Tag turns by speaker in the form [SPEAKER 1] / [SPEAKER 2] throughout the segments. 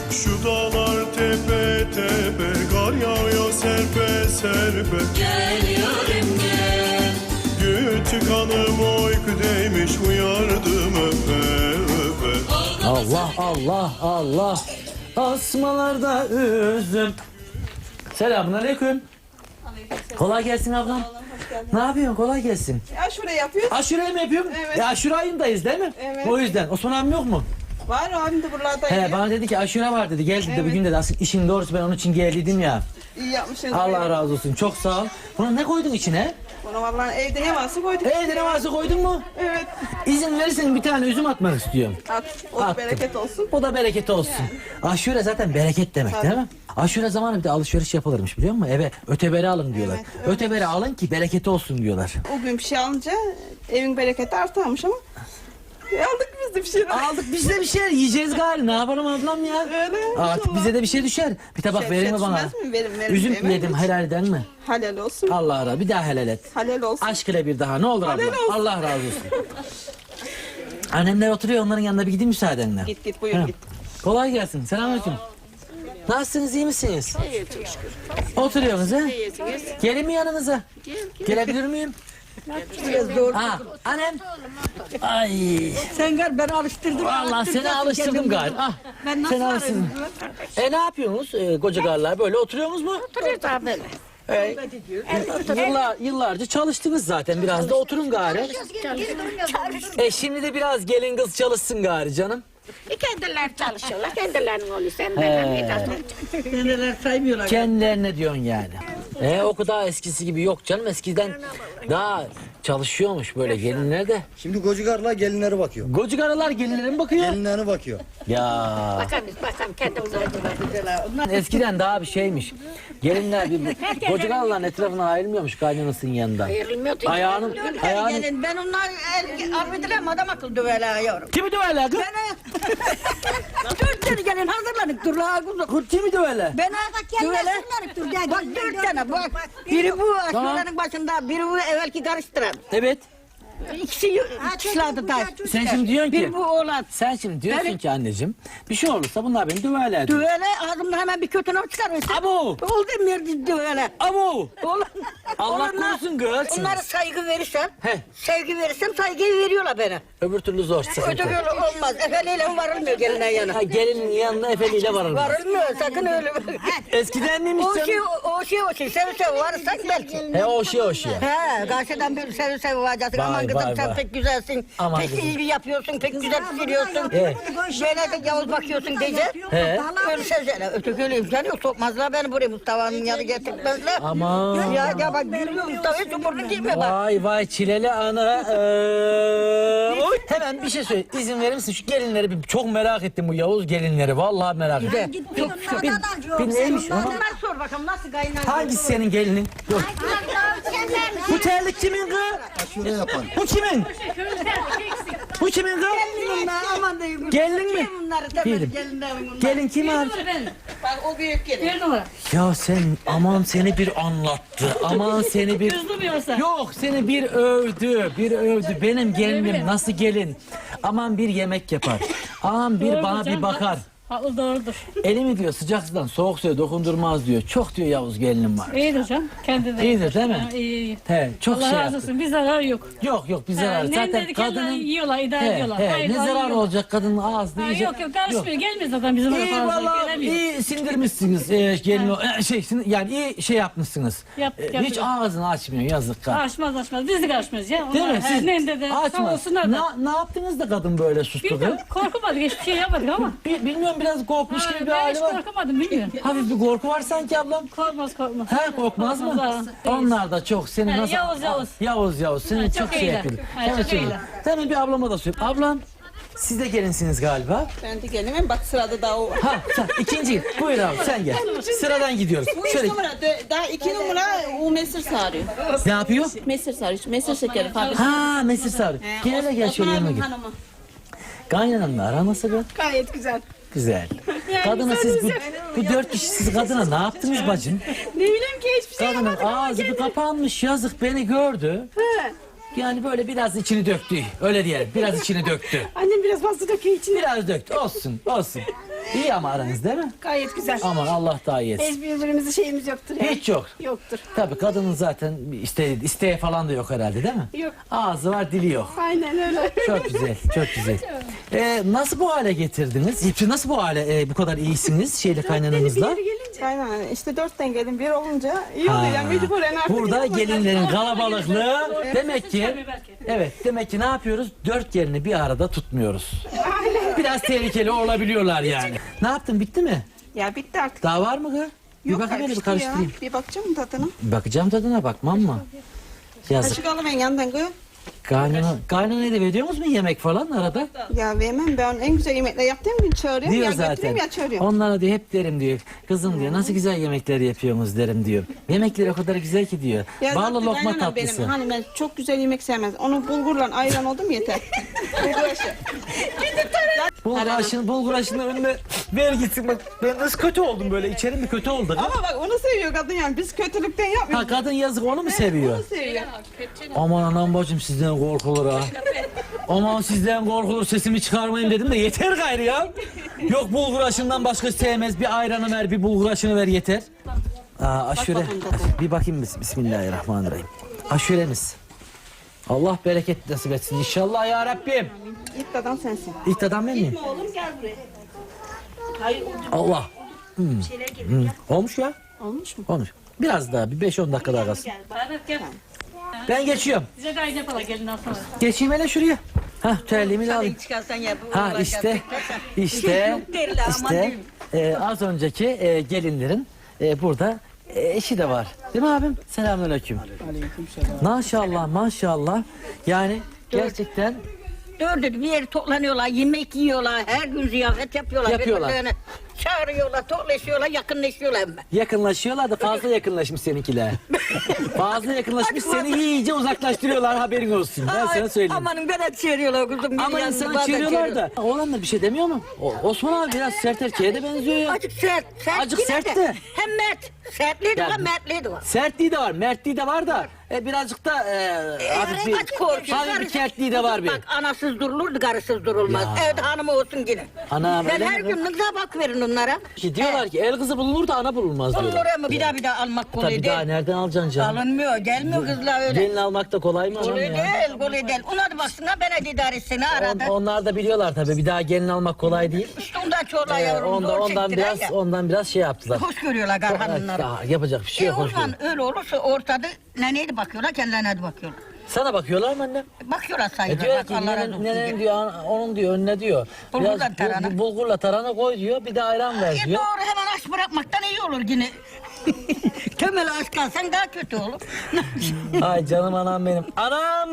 [SPEAKER 1] Şu dağlar tepe tepe, kar yağıyor serpe serpe.
[SPEAKER 2] Gel yarim gel.
[SPEAKER 1] Küçük hanım uyku değmiş, uyardım öpe öpe.
[SPEAKER 3] Allah Allah Allah. Asmalarda üzüm. Selamünaleyküm. Kolay gelsin ablam. Ne yapıyorsun? Kolay gelsin.
[SPEAKER 4] Aşure yapıyoruz.
[SPEAKER 3] Aşureyi mi yapıyorum?
[SPEAKER 4] Evet.
[SPEAKER 3] Aşure ayındayız değil mi?
[SPEAKER 4] Evet.
[SPEAKER 3] O yüzden. Osman abim yok mu?
[SPEAKER 4] Var abim de buralarda
[SPEAKER 3] He,
[SPEAKER 4] yiyor.
[SPEAKER 3] bana dedi ki aşure var dedi. Gel dedi
[SPEAKER 4] Evet.
[SPEAKER 3] bugün dedi. Aslında işin doğrusu ben onun için geldiydim ya.
[SPEAKER 4] İyi yapmışsınız.
[SPEAKER 3] Allah razı olsun. Çok sağ ol. Buna ne koydun içine?
[SPEAKER 4] Bunu vallahi evde ne varsa koyduk.
[SPEAKER 3] Evde ne varsa koydun mu?
[SPEAKER 4] Evet.
[SPEAKER 3] İzin verirsen bir tane üzüm atmak istiyorum.
[SPEAKER 4] At. O da
[SPEAKER 3] Attım.
[SPEAKER 4] bereket olsun.
[SPEAKER 3] O da bereket olsun. Aşure zaten bereket demek
[SPEAKER 4] Tabii.
[SPEAKER 3] değil mi? Aşure zamanı bir de alışveriş yapılırmış biliyor musun? Eve öteberi alın diyorlar.
[SPEAKER 4] Evet,
[SPEAKER 3] Öteberi alın ki bereketi olsun diyorlar.
[SPEAKER 4] O gün bir şey alınca evin bereketi artarmış ama. Aldık biz de bir şeyler.
[SPEAKER 3] Aldık biz de bir şeyler yiyeceğiz gari. Ne yapalım ablam ya?
[SPEAKER 4] Öyle.
[SPEAKER 3] Artık
[SPEAKER 4] inşallah.
[SPEAKER 3] bize de bir şey düşer. Bir tabak
[SPEAKER 4] Şey-
[SPEAKER 3] verir
[SPEAKER 4] şey
[SPEAKER 3] mi bana?
[SPEAKER 4] düşmez mi? Verim,
[SPEAKER 3] Üzüm
[SPEAKER 4] hemen.
[SPEAKER 3] yedim helalden mi?
[SPEAKER 4] Halal olsun.
[SPEAKER 3] Allah razı. Bir daha helal et.
[SPEAKER 4] Halal olsun.
[SPEAKER 3] Aşk ile bir daha ne olur abla.
[SPEAKER 4] Helal olsun.
[SPEAKER 3] Allah razı olsun. Annemler oturuyor, onların yanına bir gideyim müsaadenle.
[SPEAKER 4] Git git buyur
[SPEAKER 3] Ha.
[SPEAKER 4] git.
[SPEAKER 3] Kolay gelsin. Selamünaleyküm. Nasılsınız, iyi misiniz?
[SPEAKER 5] İyi çok şükür.
[SPEAKER 3] Oturuyorsunuz ha?
[SPEAKER 5] İyisiniz.
[SPEAKER 3] Gelin mi yanınıza? Gelebilir miyim? Ha, annem. Ay.
[SPEAKER 6] Sen gel ben alıştırdım.
[SPEAKER 3] Vallahi seni alıştırdım galiba. Ah,
[SPEAKER 6] Ben nasıl
[SPEAKER 3] seni alıştırdım. Ne yapıyorsunuz koca garlar? Böyle oturuyorsunuz mu?
[SPEAKER 5] Oturuyoruz abi böyle.
[SPEAKER 3] Yıllarca çalıştınız zaten. Biraz da oturun gari. Şimdi de biraz gelin kız çalışsın gari canım.
[SPEAKER 5] Kendileri çalışıyorlar. Kendilerinin oluyor. Sen benim
[SPEAKER 6] Kendileri saymıyorlar.
[SPEAKER 3] Kendilerine diyorsun yani. O kadar eskisi gibi yok canım. Eskiden daha çalışıyormuş böyle gelinler de.
[SPEAKER 7] Şimdi kocakarlar gelinlere bakıyor.
[SPEAKER 3] Koca garılar gelinlere mi bakıyor?
[SPEAKER 7] Gelinlerine bakıyor.
[SPEAKER 3] Ya
[SPEAKER 5] Bakalım kendimiz oldular.
[SPEAKER 3] eskiden daha bir şeymiş. Gelinler bir koca garıların etrafına ayrılmıyormuş kaynanasının yanında.
[SPEAKER 5] Ayrılmıyordu.
[SPEAKER 3] Ayağının
[SPEAKER 6] Gelin ben onlar arbedilem adam akıllı döverler yavrum.
[SPEAKER 3] kimi döverler kız?
[SPEAKER 6] Dört tane gelin hazırlanıp dur la kuzum.
[SPEAKER 3] Kimi döverler?
[SPEAKER 6] Ben döverler. Bak dört tane bak. Biri bu aşurenin başında, biri bu evvelki karıştıran.
[SPEAKER 3] Evet.
[SPEAKER 6] İkisi çısladı da.
[SPEAKER 3] Sen şimdi diyorsun ki
[SPEAKER 6] Bir bu oğlan.
[SPEAKER 3] sen şimdi diyorsun ki anneciğim bir şey olursa bunlar beni döverler diyor.
[SPEAKER 6] Dövele ağzımda hemen bir kötü not çıkarırsın.
[SPEAKER 3] Abo!
[SPEAKER 6] Oldu mu dövele?
[SPEAKER 3] Abo!
[SPEAKER 6] Oğlan.
[SPEAKER 3] Allah korusun kız.
[SPEAKER 6] Onlara saygı verirsem,
[SPEAKER 3] He.
[SPEAKER 6] sevgi verirsem saygıyı veriyorlar bana.
[SPEAKER 3] Öbür türlü zor sıkıntı.
[SPEAKER 6] Öteki öyle olmaz. Efeliyle varılmıyor gelinen yana.
[SPEAKER 3] Ha, gelinin yanına efeliyle varılmaz.
[SPEAKER 6] Varılmıyor sakın öyle.
[SPEAKER 3] Eskiden neymiş
[SPEAKER 6] O şey,
[SPEAKER 3] canım?
[SPEAKER 6] o şey, sev varsak belki.
[SPEAKER 3] O şey.
[SPEAKER 6] He, karşıdan bir sev varacaksın.
[SPEAKER 3] Vay,
[SPEAKER 6] Aman kızım
[SPEAKER 3] vay,
[SPEAKER 6] sen
[SPEAKER 3] vay.
[SPEAKER 6] pek güzelsin.
[SPEAKER 3] Aman
[SPEAKER 6] pek
[SPEAKER 3] kızım.
[SPEAKER 6] iyi yapıyorsun, pek güzel pişiriyorsun.
[SPEAKER 3] Evet.
[SPEAKER 6] Böyle de yavuz bakıyorsun diyecek.
[SPEAKER 3] He.
[SPEAKER 6] Öyle sözler. Öteki öyle imkanı yok. Sokmazlar beni buraya Mustafa'nın yanına getirtmezler.
[SPEAKER 3] Aman.
[SPEAKER 6] Ya bak gülüyor Mustafa'ya çuburunu girmiyor bak.
[SPEAKER 3] Vay çileli ana. Oy. Hemen bir şey söyle. İzin verir misin? Şu gelinleri bir çok merak ettim bu Yavuz gelinleri. Vallahi merak ettim. Bir neymiş ama?
[SPEAKER 6] Ben sor bakalım nasıl kaynar.
[SPEAKER 3] Hangisi senin gelinin? Dur. Bu terlik kimin kız?
[SPEAKER 7] Aşure yapan.
[SPEAKER 3] Bu kimin? Bu kimin kız?
[SPEAKER 6] Bunlar aman diyeyim.
[SPEAKER 3] Gelin mi?
[SPEAKER 6] Bunları
[SPEAKER 3] Değilim.
[SPEAKER 6] gelinlerim bunlar.
[SPEAKER 3] Gelin kim abi?
[SPEAKER 4] Bak o büyük gelin.
[SPEAKER 3] Ya sen aman seni bir anlattı. Aman seni bir... Yok seni bir övdü. Bir övdü. Benim gelinim nasıl gelin? Aman bir yemek yapar. Aman bir bana bir bakar.
[SPEAKER 8] Haklı doğrudur.
[SPEAKER 3] Elimi diyor sıcak sudan soğuk suya dokundurmaz diyor. Çok diyor Yavuz gelinim var.
[SPEAKER 8] İyidir hocam. Kendi de.
[SPEAKER 3] İyidir değil mi?
[SPEAKER 8] Ha, iyi.
[SPEAKER 3] He, çok
[SPEAKER 8] Allah
[SPEAKER 3] şey
[SPEAKER 8] razı
[SPEAKER 3] yaptı.
[SPEAKER 8] olsun. Bir zarar yok.
[SPEAKER 3] Yok bir zarar.
[SPEAKER 8] Ne
[SPEAKER 3] Zaten
[SPEAKER 8] dedi kendileri
[SPEAKER 3] kadının...
[SPEAKER 8] yiyorlar, idare ediyorlar. Hayır,
[SPEAKER 3] ne zarar
[SPEAKER 8] yiyorlar.
[SPEAKER 3] olacak kadının ağzı
[SPEAKER 8] Ha,
[SPEAKER 3] diyecek.
[SPEAKER 8] yok karışmıyor. Gelmiyor zaten bizim
[SPEAKER 3] İyi
[SPEAKER 8] oraya fazla.
[SPEAKER 3] valla
[SPEAKER 8] Gelemiyor.
[SPEAKER 3] iyi sindirmişsiniz gelin yani iyi şey yapmışsınız.
[SPEAKER 8] Yaptık,
[SPEAKER 3] Hiç
[SPEAKER 8] yaptık.
[SPEAKER 3] ağzını açmıyor yazık kadın.
[SPEAKER 8] Açmaz. Biz de karışmıyoruz ya.
[SPEAKER 3] Değil mi? Siz
[SPEAKER 8] Ne de sağ
[SPEAKER 3] açmaz.
[SPEAKER 8] olsunlar da.
[SPEAKER 3] Ne yaptınız da kadın böyle sustu?
[SPEAKER 8] Bilmiyorum. Korkmadık. Hiçbir şey yapmadık ama.
[SPEAKER 3] Bilmiyorum biraz korkmuş gibi bir
[SPEAKER 8] Ben
[SPEAKER 3] hali
[SPEAKER 8] hiç
[SPEAKER 3] var.
[SPEAKER 8] korkmadım. Bilmiyorum.
[SPEAKER 3] Hafif bir korku var sanki ablam.
[SPEAKER 8] Korkmaz.
[SPEAKER 3] He korkmaz mı?
[SPEAKER 8] Korkmaz, ha.
[SPEAKER 3] Onlar da çok seni
[SPEAKER 8] Ha,
[SPEAKER 3] nasıl...
[SPEAKER 8] Yavuz.
[SPEAKER 3] Seni
[SPEAKER 8] Ha,
[SPEAKER 3] çok
[SPEAKER 8] çok
[SPEAKER 3] şey
[SPEAKER 8] iyiler.
[SPEAKER 3] yapıyor.
[SPEAKER 8] Ha,
[SPEAKER 3] Hemen
[SPEAKER 8] çok
[SPEAKER 3] söyle.
[SPEAKER 8] iyiler.
[SPEAKER 3] Hemen bir ablama da söyle. Ablam siz de gelinsiniz galiba.
[SPEAKER 4] Ben de gelimim. Bak sırada daha o var.
[SPEAKER 3] Ha sen ikinci. Buyur abi sen gel. Sıradan gidiyoruz.
[SPEAKER 4] Bu 3
[SPEAKER 3] Şöyle
[SPEAKER 4] numara. Daha 2 numara o mesir sarıyor.
[SPEAKER 3] ne yapıyor?
[SPEAKER 4] Mesir sarıyor. Mesir şekeri fabrika.
[SPEAKER 3] Ha Mesir Sarı. Gel hele gel şöyle yanıma gel.
[SPEAKER 4] Hanımı.
[SPEAKER 3] Kaynananla ara nasıl be?
[SPEAKER 4] Gayet güzel.
[SPEAKER 3] Güzel. Kadına siz bu 4 kişi siz kadına ne yaptınız bacım?
[SPEAKER 4] Ne bileyim ki hiçbir şey
[SPEAKER 3] Kadının ağzı bir kapanmış yazık beni gördü. Yani böyle biraz içini döktü. Öyle diyelim. Biraz içini döktü.
[SPEAKER 4] Annem biraz fazla döküyor içine.
[SPEAKER 3] Biraz döktü. Olsun. İyi ama aranız değil mi?
[SPEAKER 4] Gayet güzel.
[SPEAKER 3] Aman Allah daha iyi etsin.
[SPEAKER 4] Biz birbirimizi şeyimiz yoktur. Yani.
[SPEAKER 3] Hiç yok.
[SPEAKER 4] Yoktur.
[SPEAKER 3] Tabii kadının zaten isteği falan da yok herhalde değil mi?
[SPEAKER 4] Yok.
[SPEAKER 3] Ağzı var dili yok.
[SPEAKER 4] Aynen öyle.
[SPEAKER 3] Çok güzel, çok güzel. Nasıl bu hale getirdiniz? Nasıl bu hale bu kadar iyisiniz kaynananızla?
[SPEAKER 4] Aynen işte 4'ten gelin bir olunca iyi oluyor. Yani mecburen artık.
[SPEAKER 3] Burada gelinlerin kalabalıklığı demek ki demek ki ne yapıyoruz? 4 gelini bir arada tutmuyoruz. Biraz tehlikeli olabiliyorlar yani. Ne yaptın bitti mi?
[SPEAKER 4] Ya bitti artık.
[SPEAKER 3] Daha var mı kız? Bir
[SPEAKER 4] Yok,
[SPEAKER 3] bakayım hele bir
[SPEAKER 4] karıştı ya.
[SPEAKER 3] karıştırayım.
[SPEAKER 4] Bir bakacağım tadına.
[SPEAKER 3] Bakacağım tadına bakmam mı? Yazık.
[SPEAKER 4] Kaşık alayım en yandan koy.
[SPEAKER 3] Kaynana da veriyor musun yemek falan arada?
[SPEAKER 4] Ya vermem ben en güzel yemekler yaptığım gün çağırıyorum.
[SPEAKER 3] Diyor
[SPEAKER 4] ya
[SPEAKER 3] zaten.
[SPEAKER 4] götüreyim ya çağırıyorum.
[SPEAKER 3] Onlara diyor hep derim diyor. Kızım diyor nasıl güzel yemekler yapıyorsunuz derim diyor. Yemekler o kadar güzel ki diyor.
[SPEAKER 4] Ya
[SPEAKER 3] Bağlı
[SPEAKER 4] zaten
[SPEAKER 3] lokma
[SPEAKER 4] kaynanam
[SPEAKER 3] tatlısı.
[SPEAKER 4] Benim, hani ben çok güzel yemek sevmez. Onu bulgurla ayran oldum yeter. Bulgur aşı.
[SPEAKER 3] Bulgur aşının önüne ver gitsin bak. Ben nasıl kötü oldum böyle içerim bir kötü oldu.
[SPEAKER 4] Ama bak onu seviyor kadın yani. Biz kötülükten yapmıyoruz.
[SPEAKER 3] Ha kadın yazık onu mu seviyor?
[SPEAKER 4] Onu seviyor.
[SPEAKER 3] Aman anam bacım sizden korkulur ha. Aman sizden korkulur sesimi çıkarmayın dedim de yeter gayrı ya. Yok bulgur aşından başka sevmez. Bir ayranı ver bir bulgur aşını ver yeter. Aşure. Bir bakayım bismillahirrahmanirrahim. Aşuremiz. Allah bereket nasip etsin inşallah ya Rabbim.
[SPEAKER 4] İlk dadan sensin.
[SPEAKER 3] İlk adam ben miyim?
[SPEAKER 4] Oğlum gel buraya.
[SPEAKER 3] Allah. Olmuş ya.
[SPEAKER 4] Olmuş mu?
[SPEAKER 3] Olmuş. Biraz daha bir 5-10 dakika daha kalsın.
[SPEAKER 8] Evet gel.
[SPEAKER 3] Ben geçiyorum.
[SPEAKER 8] Bize de aynı yapalım gelinden sonra.
[SPEAKER 3] Geçeyim hele şuraya. Hah terliğimi de alayım.
[SPEAKER 6] Çıkarsan ya bu
[SPEAKER 3] Ha işte az önceki gelinlerin burada eşi de var. Değil mi abim? Selamünaleyküm. Maşallah maşallah. Yani gerçekten
[SPEAKER 6] Dördü bir yere toplanıyorlar, yemek yiyorlar, her gün ziyafet yapıyorlar.
[SPEAKER 3] Yapıyorlar.
[SPEAKER 6] Birbirlerine çağırıyorlar, toplaşıyorlar, yakınlaşıyorlar.
[SPEAKER 3] yakınlaşıyorlar da fazla yakınlaşmış seninkiler. Fazla yakınlaşmış seni iyice uzaklaştırıyorlar haberin olsun. Ben sana söyleyeyim.
[SPEAKER 6] Amanın bana çığırıyorlar kızım.
[SPEAKER 3] Ama
[SPEAKER 6] beni
[SPEAKER 3] insana
[SPEAKER 6] yanımda
[SPEAKER 3] çığırıyorlar da. Oğlan da bir şey demiyor mu? Osman abi biraz sert erkeğe de benziyor ya.
[SPEAKER 6] Azıcık sert.
[SPEAKER 3] Azıcık
[SPEAKER 6] yine
[SPEAKER 3] sert
[SPEAKER 6] de.
[SPEAKER 3] de.
[SPEAKER 6] Hem mert. Sertliği de
[SPEAKER 3] Ya,
[SPEAKER 6] var, mertliği de var.
[SPEAKER 3] Sertliği de var, mertliği de var da birazcık da hafif bir kertliği de var bir.
[SPEAKER 6] Bak anasız durulurdu, karısız durulmaz. Evde hanımı olsun yine.
[SPEAKER 3] Ana
[SPEAKER 6] Ben
[SPEAKER 3] öyle
[SPEAKER 6] her
[SPEAKER 3] mi?
[SPEAKER 6] gün ne güzel bak verin onlara.
[SPEAKER 3] Ki diyorlar ki el kızı bulunur da ana bulunmaz diyorlar.
[SPEAKER 6] Bulunur ama bir daha almak kolay
[SPEAKER 3] Tabii
[SPEAKER 6] değil.
[SPEAKER 3] daha nereden alacaksın canım?
[SPEAKER 6] Alınmıyor, gelmiyor kızlar öyle.
[SPEAKER 3] Gelin almak da kolay mı canım
[SPEAKER 6] Kolay
[SPEAKER 3] ya?
[SPEAKER 6] değil, kolay değil. Ona da baksana ben de idare etsene arada.
[SPEAKER 3] Onlar da biliyorlar tabii bir daha gelin almak kolay değil.
[SPEAKER 6] İşte ondan çoğular yavrum zor
[SPEAKER 3] Ondan biraz şey yaptılar.
[SPEAKER 6] Hoş görüyorlar garhanınları.
[SPEAKER 3] Ya, yapacak bir şey yok.
[SPEAKER 6] O
[SPEAKER 3] hoş
[SPEAKER 6] zaman
[SPEAKER 3] değil.
[SPEAKER 6] öyle olursa ortada neneydi bakıyorlar, kendilerine de bakıyorlar.
[SPEAKER 3] Sana bakıyorlar mı annem?
[SPEAKER 6] Bakıyorlar sayılır.
[SPEAKER 3] Diyor
[SPEAKER 6] Bak
[SPEAKER 3] ki
[SPEAKER 6] Allah razı olsun
[SPEAKER 3] nenem
[SPEAKER 6] diye.
[SPEAKER 3] diyor onun diyor önüne diyor.
[SPEAKER 6] Bulgurla
[SPEAKER 3] Biraz
[SPEAKER 6] tarhana.
[SPEAKER 3] bulgurla tarhana koy diyor bir de ayran ver diyor.
[SPEAKER 6] Doğru hemen aç bırakmaktan iyi olur yine. Temel aç kalsan daha kötü olur.
[SPEAKER 3] Ay canım anam benim. Anam!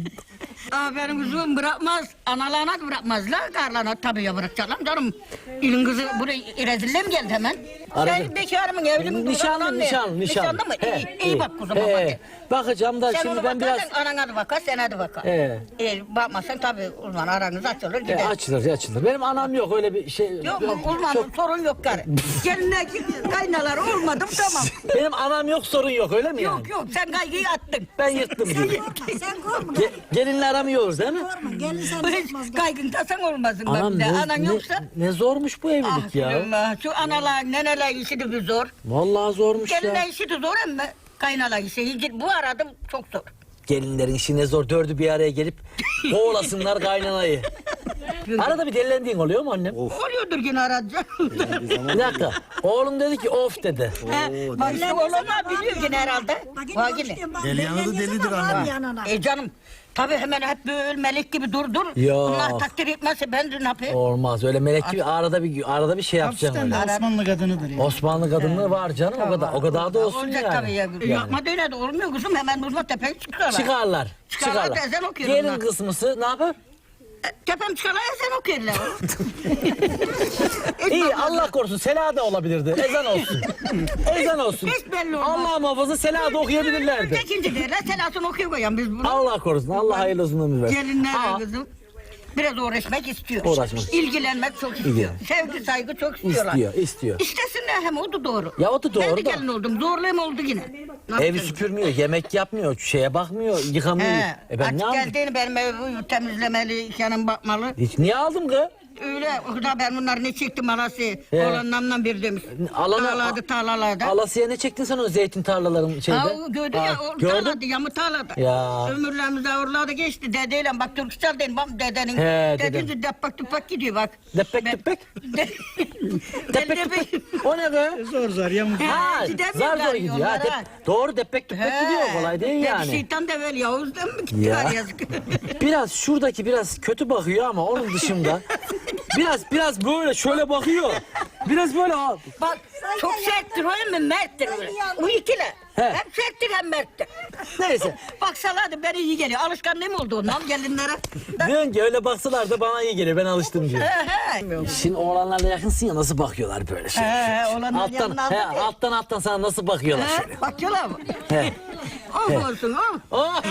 [SPEAKER 6] Aferin kızım bırakmaz. Analarına da bırakmazlar. Karlarına tabii ya bırakacaklar canım. İlin kızı buraya rezille mi geldi hemen?
[SPEAKER 3] Aradım.
[SPEAKER 6] Sen bekarı mı evli mi?
[SPEAKER 3] Nişanlı.
[SPEAKER 6] Nişanlı mı? İyi bak kuzum bak.
[SPEAKER 3] Bakacağım da
[SPEAKER 6] Sen
[SPEAKER 3] şimdi
[SPEAKER 6] onu
[SPEAKER 3] ben biraz...
[SPEAKER 6] bakarsan anana da bakar, sana da bakar. Bakmazsan tabii uzman aranız açılır gider.
[SPEAKER 3] Açılır. Benim anam yok öyle bir şey.
[SPEAKER 6] Yok mu? Uzmanın sorun yok karı. Gelinler kaynalar olmadım tamam.
[SPEAKER 3] Benim anam yok sorun yok öyle mi yani?
[SPEAKER 6] Yok sen kaygıyı attın.
[SPEAKER 3] Ben yırttım diyor.
[SPEAKER 9] Sen korkma.
[SPEAKER 3] Gelinle aramıyoruz değil mi?
[SPEAKER 9] Korkma. Gelin sen korkmaz.
[SPEAKER 6] Kaygın tasan olmasın.
[SPEAKER 3] Anam
[SPEAKER 6] bak. Anan yoksa.
[SPEAKER 3] ne zormuş bu evlilik ya.
[SPEAKER 6] Allah, şu analar neneler işi de bir zor.
[SPEAKER 3] Vallahi zormuş ya.
[SPEAKER 6] Gelinler işi de zor ama kaynalar işi. Bu arada çok zor.
[SPEAKER 3] Gelinlerin işi ne zor. Dördü bir araya gelip kovalasınlar kaynanayı. Arada bir delilendiğin oluyor mu annem?
[SPEAKER 6] Oluyordur yine arada.
[SPEAKER 3] Bir dakika. Oğlum dedi ki of dedi.
[SPEAKER 6] Bak işte oğlum biliyor yine herhalde. Bak yine.
[SPEAKER 7] Deli yanı da delidir anne.
[SPEAKER 6] Canım. Tabii hemen hep böyle melek gibi dur.
[SPEAKER 3] Yok.
[SPEAKER 6] Bunlar takdir etmezse ben de ne yapayım?
[SPEAKER 3] Olmaz öyle melek gibi arada bir şey yapacaksın öyle.
[SPEAKER 7] Osmanlı kadınıdır ya.
[SPEAKER 3] Osmanlı kadınlığı var canım o kadar da olsun
[SPEAKER 6] Olacak
[SPEAKER 3] yani.
[SPEAKER 6] tabii ya. Yapma da öyle de olmuyor kızım. Hemen uzma tepeye çıkıyorlar.
[SPEAKER 3] Çıkarlar.
[SPEAKER 6] da ezan okuyorlar
[SPEAKER 3] Gelin
[SPEAKER 6] onlar.
[SPEAKER 3] kısmısı ne yapar?
[SPEAKER 6] Tepem çıkarlar ezan okuyorlar.
[SPEAKER 3] İyi Allah korusun Sela da olabilirdi. Ezan olsun. Ezan olsun.
[SPEAKER 6] Hiç belli olmaz.
[SPEAKER 3] Allah muhafaza Sela da okuyabilirlerdi.
[SPEAKER 6] İkinci derler selasını okuyor koyan biz bunu.
[SPEAKER 3] Allah korusun. Allah hayırlı uzun ömür versin.
[SPEAKER 6] Gelinler
[SPEAKER 3] Aa,
[SPEAKER 6] kızım. Biraz uğraşmak istiyor.
[SPEAKER 3] Uğraşmak.
[SPEAKER 6] İlgilenmek çok istiyor. Sevgi saygı çok istiyorlar.
[SPEAKER 3] istiyor.
[SPEAKER 6] İstesinler hem o da doğru.
[SPEAKER 3] Ya o da doğru
[SPEAKER 6] Ben de
[SPEAKER 3] da.
[SPEAKER 6] gelin oldum. Zorlayım oldu yine. Ne
[SPEAKER 3] Evi
[SPEAKER 6] yapacağız?
[SPEAKER 3] süpürmüyor, yemek yapmıyor, şeye bakmıyor, yıkamıyor. Ben ne
[SPEAKER 6] Artık
[SPEAKER 3] yapayım?
[SPEAKER 6] geldiğini benim evi temizlemeli, yanım bakmalı.
[SPEAKER 3] Hiç niye aldım kız?
[SPEAKER 6] öyle. O kadar ben bunları ne çektim alası. Oğlanlarımla bir demiş. Tarlalarda tarlalarda.
[SPEAKER 3] Alasıya ne çektin sen o zeytin tarlaların şeyde?
[SPEAKER 6] O gördü ya, o
[SPEAKER 3] gördün?
[SPEAKER 6] tarlada, yamı tarlada.
[SPEAKER 3] Ya.
[SPEAKER 6] Ömürlerimiz ağırlarda geçti. Dedeyle bak Türkçe dedim, bak dedenin.
[SPEAKER 3] He,
[SPEAKER 6] Dedince depak tupak gidiyor bak.
[SPEAKER 3] Depek depek. Depek depek. O ne be?
[SPEAKER 7] Zor yamuk.
[SPEAKER 3] Ha,
[SPEAKER 6] gidemiyorlar
[SPEAKER 3] zar zor gidiyor. Ha,
[SPEAKER 6] yollara.
[SPEAKER 3] doğru depek depek gidiyor, kolay değil yani.
[SPEAKER 6] Şeytan da böyle Yavuz'dan mı gittiler
[SPEAKER 3] Ya.
[SPEAKER 6] yazık.
[SPEAKER 3] Biraz şuradaki biraz kötü bakıyor ama onun dışında biraz böyle şöyle bakıyor. Biraz böyle
[SPEAKER 6] Bak çok serttir o mu merttir öyle. O ikili.
[SPEAKER 3] He.
[SPEAKER 6] Hem serttir hem merttir.
[SPEAKER 3] neyse.
[SPEAKER 6] Baksalardı beni iyi geliyor. Alışkanlığım oldu ondan gelinlere.
[SPEAKER 3] Diyorsun ki öyle baksalar da bana iyi geliyor, ben alıştım diyor. Şimdi oğlanlarla yakınsın ya, nasıl bakıyorlar böyle şey.
[SPEAKER 6] Olanlar
[SPEAKER 3] Alttan sana nasıl bakıyorlar şöyle.
[SPEAKER 6] Bakıyorlar mı?
[SPEAKER 3] He.
[SPEAKER 6] Of olsun of.
[SPEAKER 3] Oh.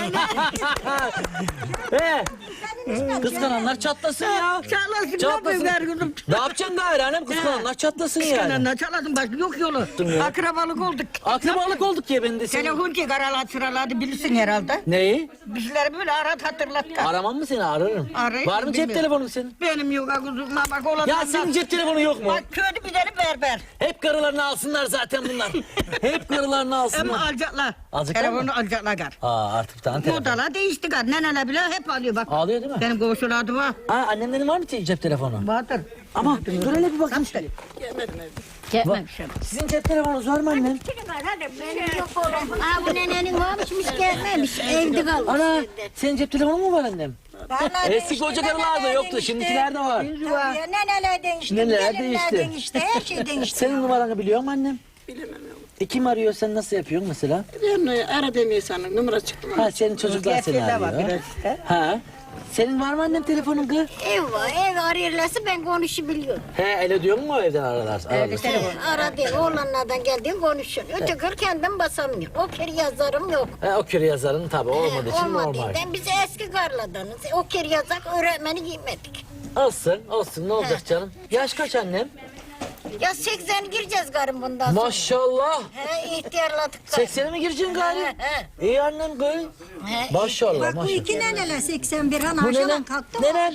[SPEAKER 3] He. Kıskananlar çatlasın ya.
[SPEAKER 6] Çalasın
[SPEAKER 3] Çatlasın.
[SPEAKER 6] ne kızım.
[SPEAKER 3] Ne yapacaksın gayrı annem, kıskananlar çatlasın yani.
[SPEAKER 6] Kıskananlar çalasın bak yok yolu.
[SPEAKER 3] ya.
[SPEAKER 6] Akrabalık olduk.
[SPEAKER 3] Akrabalık olduk ya ben de senin.
[SPEAKER 6] Telefon ki karalar sıralardı bilirsin herhalde.
[SPEAKER 3] Neyi?
[SPEAKER 6] Bizleri böyle hatırlat.
[SPEAKER 3] Aramam mı seni, ararım.
[SPEAKER 6] Arayayım,
[SPEAKER 3] Var mı cep
[SPEAKER 6] bilmiyorum.
[SPEAKER 3] telefonun senin?
[SPEAKER 6] Benim yok kuzum bak olanlar.
[SPEAKER 3] Ya senin cep telefonu yok mu?
[SPEAKER 6] Bak köyde bir tane berber.
[SPEAKER 3] Hep karılarını alsınlar zaten bunlar. Hep karılarını
[SPEAKER 6] Ama
[SPEAKER 3] alsınlar.
[SPEAKER 6] alacaklar.
[SPEAKER 3] Alacaklar
[SPEAKER 6] Telefonu
[SPEAKER 3] mı?
[SPEAKER 6] alacaklar gar.
[SPEAKER 3] Aa, artık bir tane telefon.
[SPEAKER 6] Modalar değişti gar. Neneler bile hep alıyor bak.
[SPEAKER 3] Ağlıyor değil mi?
[SPEAKER 6] Benim komşularda var.
[SPEAKER 3] Ha, annemlerin var mı cep telefonu?
[SPEAKER 6] Vardır.
[SPEAKER 3] Ama dur hele bir bakayım.
[SPEAKER 6] Gelmemiş.
[SPEAKER 3] Sizin cep telefonunuz var mı annem?
[SPEAKER 5] Benim yok oğlum. Aa bu nenenin varmışmış gelmemiş. Evde kalmış.
[SPEAKER 3] Ana, senin cep telefonun mu var annem? Eski koca karılarda yoktu, şimdikilerde var.
[SPEAKER 9] Neneler değişti.
[SPEAKER 3] Neneler
[SPEAKER 9] gelinler
[SPEAKER 3] değişti.
[SPEAKER 9] değişti. Her şey değişti.
[SPEAKER 3] Senin numaranı biliyor mu annem? Bilemem. Kim arıyor, sen nasıl yapıyorsun mesela?
[SPEAKER 10] Ben aradığım insanın numara çıktı mı?
[SPEAKER 3] Ha, senin çocuklar seni arıyor. Ha. Senin var mı annem telefonun kız?
[SPEAKER 5] Ev var. Ev arıyorlarsa ben konuşabiliyorum.
[SPEAKER 3] He, öyle diyor mu evden aralar?
[SPEAKER 5] Aradı. Oğlanlardan geldiğim konuşuyor. Ötekör kendim basamıyor. O kere yazarım yok.
[SPEAKER 3] He, o kür yazarın tabi olmadığı için normal.
[SPEAKER 5] Olmadığından biz eski karladanız. O kere yazak öğretmeni giymedik.
[SPEAKER 3] Olsun ne olacak canım? Yaş kaç annem?
[SPEAKER 5] Ya 80 gireceğiz garım bundan sonra.
[SPEAKER 3] Maşallah.
[SPEAKER 5] He ihtiyarladık garım.
[SPEAKER 3] 80'e mi gireceksin gari?
[SPEAKER 5] He.
[SPEAKER 3] İyi annem kız.
[SPEAKER 5] He.
[SPEAKER 3] Maşallah
[SPEAKER 9] Bak bu
[SPEAKER 3] maşallah.
[SPEAKER 9] iki neneler 81 an
[SPEAKER 3] Bu
[SPEAKER 9] aşağıdan
[SPEAKER 3] nenen?
[SPEAKER 9] kalktı.
[SPEAKER 3] Nenen?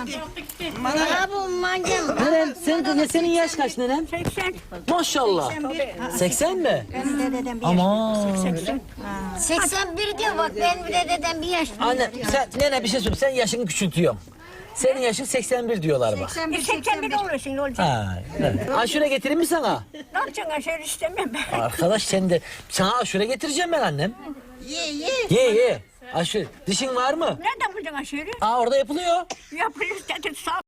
[SPEAKER 5] Aa bu mancam.
[SPEAKER 3] Nenem, senin yaş kaç nenem?
[SPEAKER 9] 80.
[SPEAKER 3] Maşallah. 80 mi?
[SPEAKER 9] Benim de dedem bir
[SPEAKER 3] Aman.
[SPEAKER 5] 81 diyor bak benim dededen bir yaş.
[SPEAKER 3] Anne sen nene bir şey söyle, sen yaşını küçültüyorum. Senin yaşın 81 diyorlar bak.
[SPEAKER 9] 81
[SPEAKER 5] olursun ne olacak?
[SPEAKER 3] Ha, evet. Aşure getireyim mi sana?
[SPEAKER 5] Ne yapacaksın aşağı istemem ben.
[SPEAKER 3] Arkadaş sen de, sana aşure getireceğim ben annem. Ye. Aşure. Dişin var mı?
[SPEAKER 5] Nereden bulacaksın aşağı?
[SPEAKER 3] Aa, orada yapılıyor.
[SPEAKER 5] Yapılır dedi sağ